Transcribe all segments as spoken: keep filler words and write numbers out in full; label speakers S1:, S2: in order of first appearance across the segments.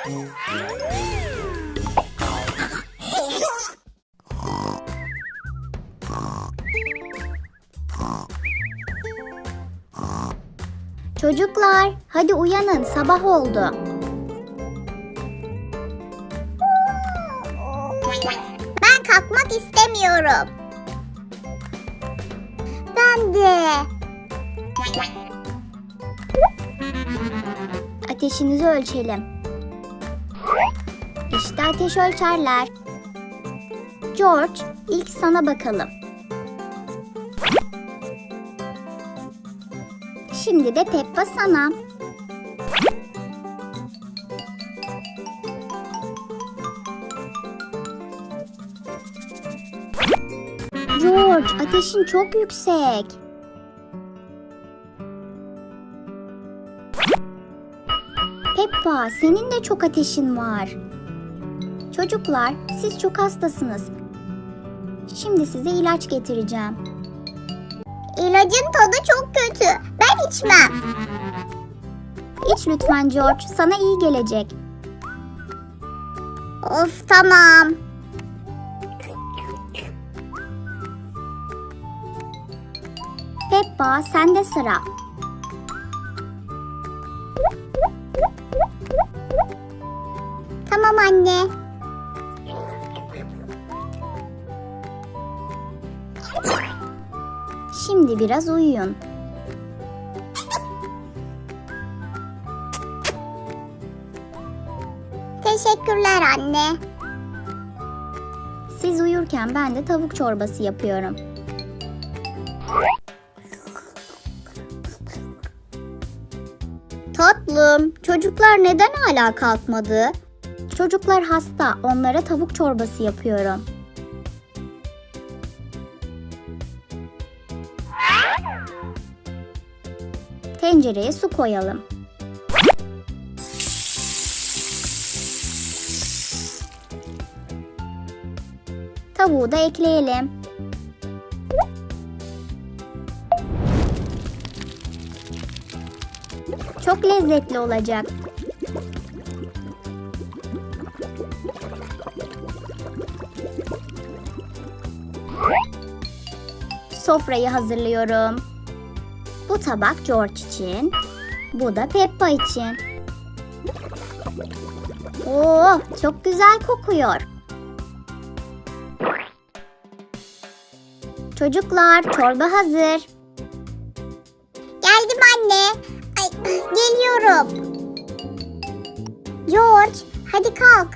S1: Çocuklar, hadi uyanın, sabah oldu.
S2: Ben kalkmak istemiyorum. Ben de.
S1: Ateşinizi ölçelim. İşte ateş ölçerler. George, ilk sana bakalım. Şimdi de Peppa sana. George, ateşin çok yüksek. Peppa, senin de çok ateşin var. Çocuklar, siz çok hastasınız. Şimdi size ilaç getireceğim.
S2: İlacın tadı çok kötü. Ben içmem.
S1: İç lütfen George, sana iyi gelecek.
S2: Of, tamam.
S1: Peppa, sende sıra.
S2: Tamam anne.
S1: Şimdi biraz uyuyun.
S2: Teşekkürler anne.
S1: Siz uyurken ben de tavuk çorbası yapıyorum.
S2: Tatlım, çocuklar neden hala kalkmadı?
S1: Çocuklar hasta, onlara tavuk çorbası yapıyorum. Tencereye su koyalım. Tavuğu da ekleyelim. Çok lezzetli olacak. Sofrayı hazırlıyorum. Bu tabak George için, bu da Peppa için. Oo, çok güzel kokuyor. Çocuklar, çorba hazır.
S2: Geldim anne. Ay, geliyorum. George, hadi kalk.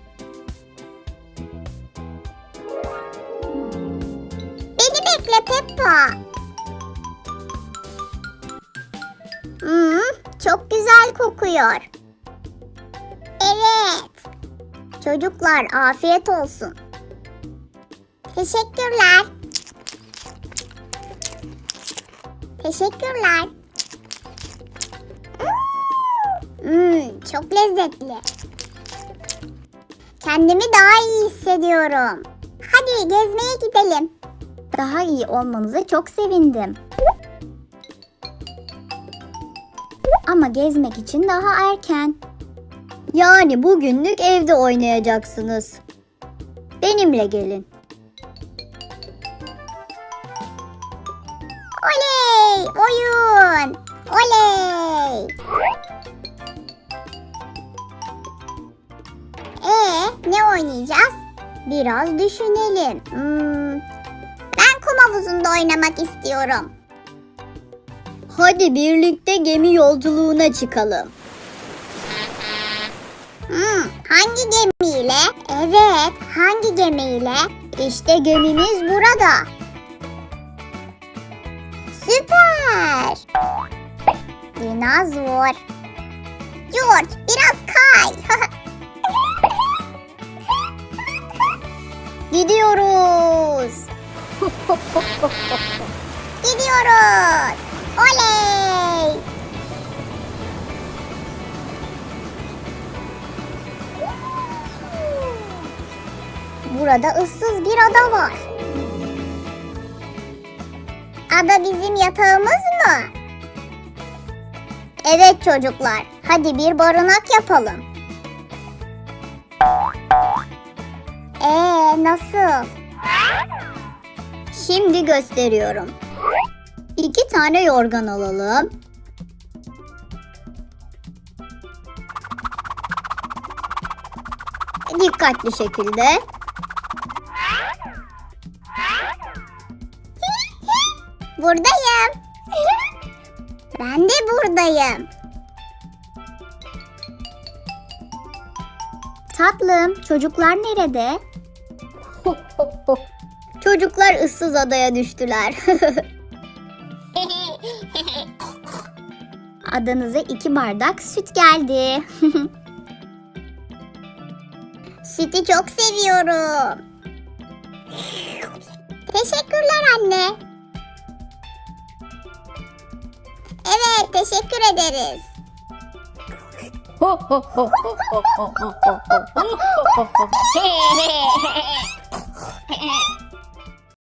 S2: Beni bekle Peppa. Hmm, çok güzel kokuyor. Evet. Çocuklar, afiyet olsun. Teşekkürler. Teşekkürler. Hmm, çok lezzetli. Kendimi daha iyi hissediyorum. Hadi gezmeye gidelim.
S1: Daha iyi olmanıza çok sevindim. Ama gezmek için daha erken.
S2: Yani bugünlük evde oynayacaksınız. Benimle gelin. Oley! Oyun! Oley! Ee, ne oynayacağız? Biraz düşünelim. Hmm, ben kum havuzunda oynamak istiyorum. Hadi birlikte gemi yolculuğuna çıkalım. Hmm, hangi gemiyle? Evet, hangi gemiyle? İşte gemimiz burada. Süper! Dinozor. George, biraz kay. Gidiyoruz. Gidiyoruz. Oley! Burada ıssız bir ada var. Ada bizim yatağımız mı? Evet çocuklar, hadi bir barınak yapalım. Ee, nasıl?
S1: Şimdi gösteriyorum. İki tane yorgan alalım. Dikkatli şekilde.
S2: Buradayım. Ben de buradayım.
S1: Tatlım, çocuklar nerede? Çocuklar ıssız adaya düştüler. Adanıza iki bardak süt geldi.
S2: Sütü çok seviyorum. Teşekkürler anne. Evet, teşekkür ederiz.